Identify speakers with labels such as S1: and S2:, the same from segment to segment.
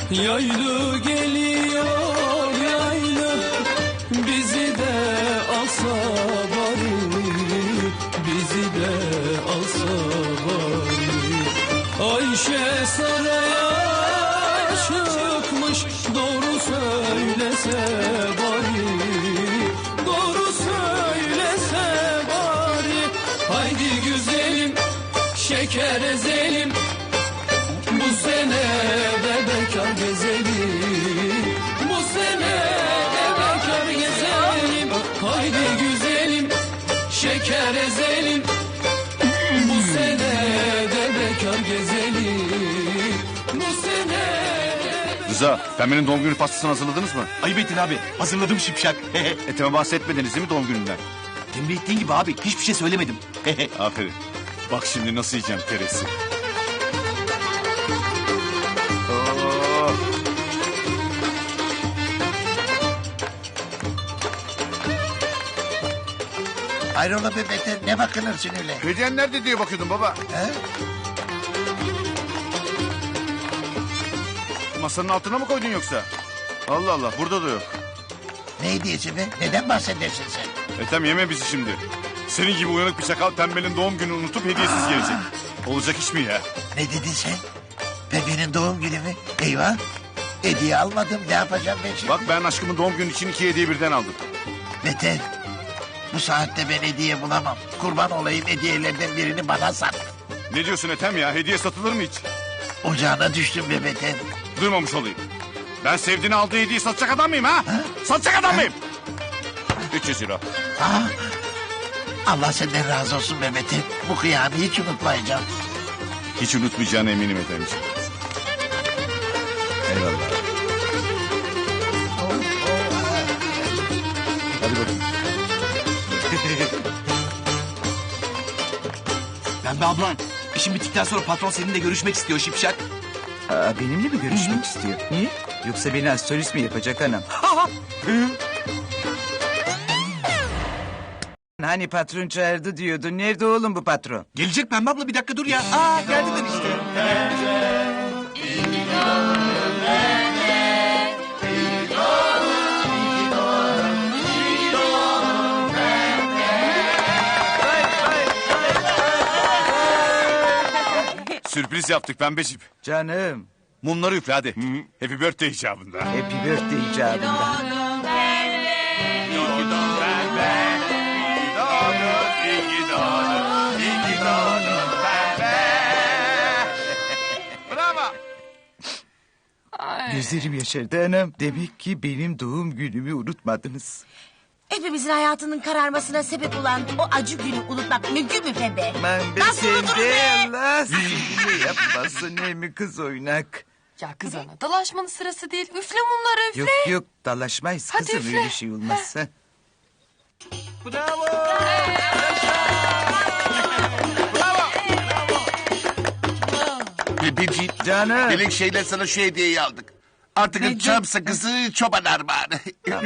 S1: Yaylı geliyor yaylı, bizi de alsa bari, bizi de alsa bari. Ayşe saraya çıkmış, doğru söylese bari, doğru söylese bari. Haydi güzelim, şeker ezelim, bu sene de bekar gezelim, bu sene de bekar gezelim. Haydi güzelim, şeker ezelim, bu sene de bekar gezelim, bu sene de...
S2: Rıza, Pembe'nin doğum günü pastasını hazırladınız mı?
S3: Ayıp ettin abi. Hazırladım şipşak.
S2: Eteme bahsetmediniz değil mi doğum gününden?
S3: Tembih ettiğin gibi abi. Hiçbir şey söylemedim.
S2: Aferin. Bak şimdi nasıl yiyeceğim teresi. Oh.
S4: Hayrola be Beter, ne bakınırsın öyle?
S2: Hediyen nerede diye bakıyordum baba.
S4: He?
S2: Masanın altına mı koydun yoksa? Allah Allah, burada da yok.
S4: Ne hediyesi be? Neden bahsedersin sen?
S2: Ethem yeme bizi şimdi. Senin gibi uyanık bir çakal Pembe'nin doğum gününü unutup hediyesiz gelecek. Olacak iş mi ya?
S4: Ne dedin sen? Bebeğin doğum günü mü? Eyvah! Hediye almadım, ne yapacağım ben şimdi?
S2: Bak ben aşkımın doğum günü için 2 hediye birden aldım.
S4: Beter, bu saatte ben hediye bulamam. Kurban olayım, hediyelerden birini bana sat.
S2: Ne diyorsun Ethem ya? Hediye satılır mı hiç?
S4: Ocağına düştüm be Beter.
S2: Duymamış olayım. Ben sevdiğini aldığı hediyeyi satacak adam mıyım ha? Satacak adam mıyım? 300 euro.
S4: Ha? Allah senden razı olsun be Beter. Bu kıyamı hiç unutmayacağım.
S2: Hiç unutmayacağına eminim Ethemciğim. Eyvallah. Hadi bakalım.
S3: Pembe ablan. İşin bittikten sonra patron seninle görüşmek istiyor şipşak.
S5: Benimle mi görüşmek istiyor? Niye? Yoksa beni astrolist mi yapacak anam? Hani patron çağırdı diyordun. Nerede oğlum bu patron?
S3: Gelecek Pembe abla, bir dakika dur ya. Geldiler işte.
S2: Sürpriz yaptık Pembeciğim.
S5: Canım.
S2: Mumları üfle hadi. Happy birthday icabında.
S5: Happy birthday icabında.
S2: Bravo.
S5: Gözlerim yaşardı anam. Demek ki benim doğum günümü unutmadınız.
S6: Hepimizin hayatının kararmasına sebep olan o acı günü unutmak mümkün mü Pembe?
S5: Aman be
S6: Nasıl
S5: sen
S6: unuturuz
S5: de
S6: be?
S5: Allah sizinle yapmasın ne mi kız oynak.
S7: Ya kız ana, dalaşmanın sırası değil. Üfle mumları, üfle.
S5: Yok yok dalaşmayız
S7: Hadi
S5: kızım
S7: üfle.
S5: öyle şey olmazsa.
S4: Bebeciğim,
S5: Canım.
S4: melek şeyler sana şu hediyeyi aldık. Artık çam sakızı çoban armağanı.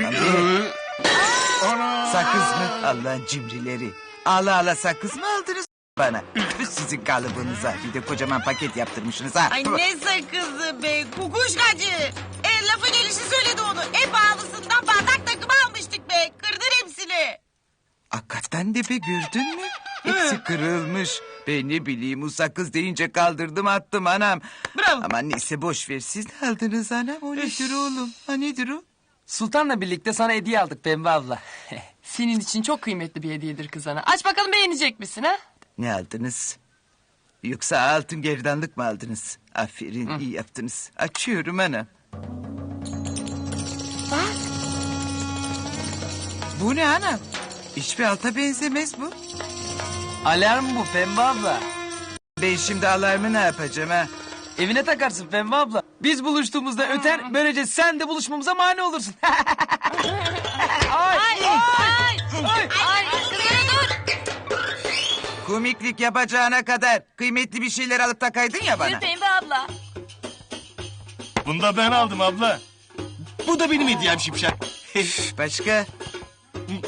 S5: Sakız mı? Allah'ın cimrileri. Ala ala sakız mı aldınız bana? Üf, sizin kalıbınıza. Bir de kocaman paket yaptırmışsınız ha.
S6: Ay ne sakızı be kukuşkacı. Lafın gelişi söyledi onu. En pahalısından bardak takımı almıştık be. Kırdın hepsini.
S5: Hakikaten de be gördün mü? Hepsi kırılmış. Ben ne bileyim o sakız deyince kaldırdım attım anam.
S6: Bravo.
S5: Aman neyse boş ver siz ne aldınız anam? O nedir oğlum? Ha nedir o?
S7: Sultan'la birlikte sana hediye aldık Pembe abla. Senin için çok kıymetli bir hediyedir kız ana. Aç bakalım, beğenecek misin ha?
S5: Ne aldınız? Yoksa altın gerdanlık mı aldınız? Aferin iyi yaptınız. Açıyorum anam.
S7: Bak.
S5: Bu ne anam? Hiçbir alta benzemez bu.
S7: Alarm bu Pembe abla.
S5: Ben şimdi alarmı ne yapacağım ha?
S7: Evine takarsın Pembe abla. Biz buluştuğumuzda öter, böylece sen de buluşmamıza mani olursun.
S5: Komiklik yapacağına kadar kıymetli bir şeyler alıp takaydın ya bana.
S6: Pembe abla.
S3: Bunu da ben aldım abla. Bu da benim hediyem şipşak.
S5: Başka?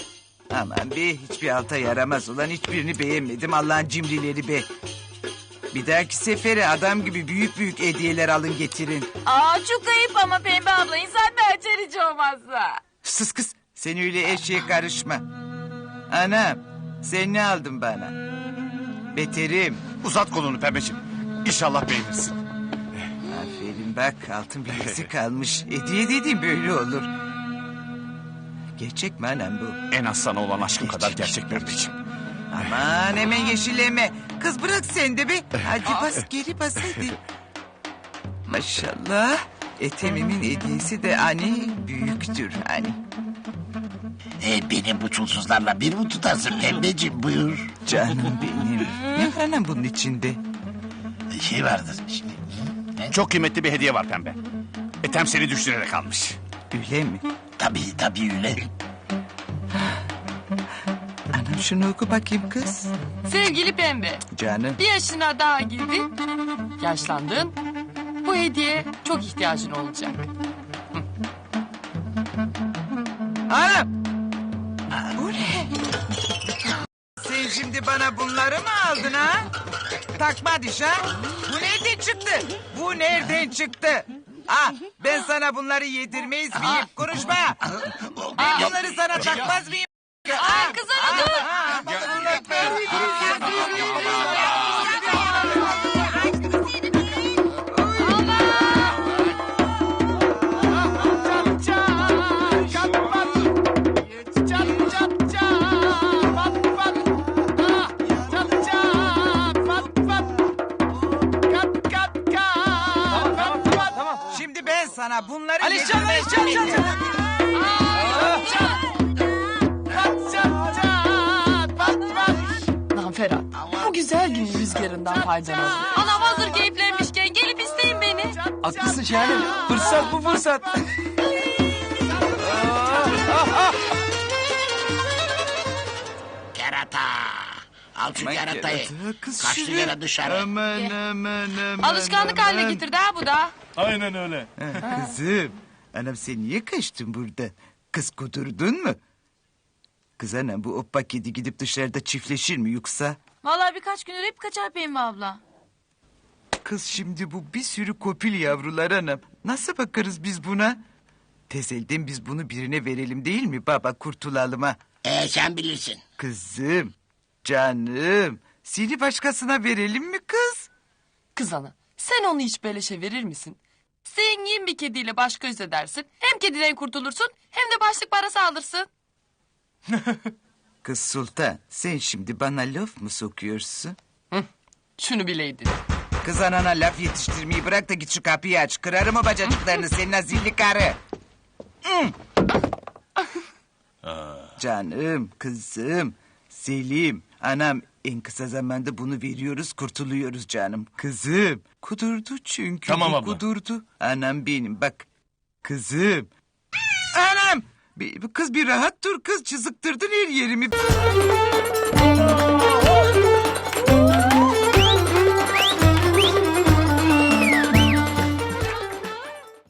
S5: Aman be hiçbir alta yaramaz ulan hiçbirini beğenmedim Allah'ın cimrileri be. Bir dahaki sefere adam gibi büyük büyük hediyeler alın getirin.
S8: Aa çok ayıp ama Pembe abla insan bir açar hiç olmazsa.
S5: Sus kız sen öyle eşeğe karışma. Anam sen ne aldın bana? Beterim.
S2: Uzat kolunu pembeciğim. İnşallah beğenirsin.
S5: Aferin bak altın bilezik kalmış. Hediye dediğim böyle olur. Gerçek mi anam bu?
S2: En az sana olan aşkım kadar gerçek pembeciğim.
S5: Aman hemen yeşilleme. Kız bırak sen de be. Hadi bas geri bas hadi. Maşallah. Etemimin hediyesi de hani büyüktür hani.
S4: Beni bu çulsuzlarla bir mi tutarsın pembeciğim buyur.
S5: Canım benim. Ne var anam bunun içinde?
S4: Şey vardır işte.
S2: Çok kıymetli bir hediye var pembe. Etem seni düşünerek almış.
S5: Öyle mi?
S4: Tabii öyle.
S5: Anam şunu oku bakayım kız.
S7: Sevgili Pembe,
S5: Canım.
S7: bir yaşına daha girdin, yaşlandın. Bu hediye çok ihtiyacın olacak.
S5: Anam. Bu ne? Sen şimdi bana bunları mı aldın ha? Takma diş ha? Bu nereden çıktı? Bu nereden çıktı? Ah ben sana bunları yedirmeyiz miyim? Konuşma. Ben bunları sana takmaz mıyım?
S7: Ay kız ana dur.
S5: Şimdi ben sana bunları
S7: Alişan,
S5: yedirmez miyim?
S7: Lan Ferhat, bu güzel gün rüzgarından faydalan. Anam hazır keyiflenmişken gelip isteyin beni.
S3: Haklısın Şahanem. Fırsat bu fırsat.
S4: Kerata. Al şu keratayı.
S5: Kız
S4: Kaçtı
S5: şunu.
S4: yere dışarı.
S5: Aman.
S7: Alışkanlık haline getirdi ha bu da.
S3: Aynen öyle.
S5: Kızım. Anam sen niye kaçtın burada? Kız kudurdun mu? Kız anam bu oppa kedi gidip dışarıda çiftleşir mi yoksa?
S8: Vallahi birkaç gündür hep kaçar Pembe abla.
S5: Kız şimdi bu bir sürü kopil yavrular anam. Nasıl bakarız biz buna? Tezelden biz bunu birine verelim değil mi baba kurtulalım ha?
S4: Sen bilirsin.
S5: Kızım, canım. Seni başkasına verelim mi kız?
S7: Kız ana, sen onu hiç beleşe verir misin? Zengin bir kediyle baş göz edersin. Hem kediden kurtulursun hem de başlık parası alırsın.
S5: Kız Sultan sen şimdi bana laf mı sokuyorsun?
S7: Şunu bileydin.
S5: Kız anana laf yetiştirmeyi bırak da git şu kapıyı aç. Kırarım o bacacıklarını senin azilli karı. Canım, kızım, Selim, anam en kısa zamanda bunu veriyoruz kurtuluyoruz canım. Kızım, kudurdu çünkü.
S3: Tamam
S5: bu
S3: abla.
S5: Kudurdu. Anam benim bak. Kızım. Anam. Kız bir rahat dur kız çızıktırdın her yerimi.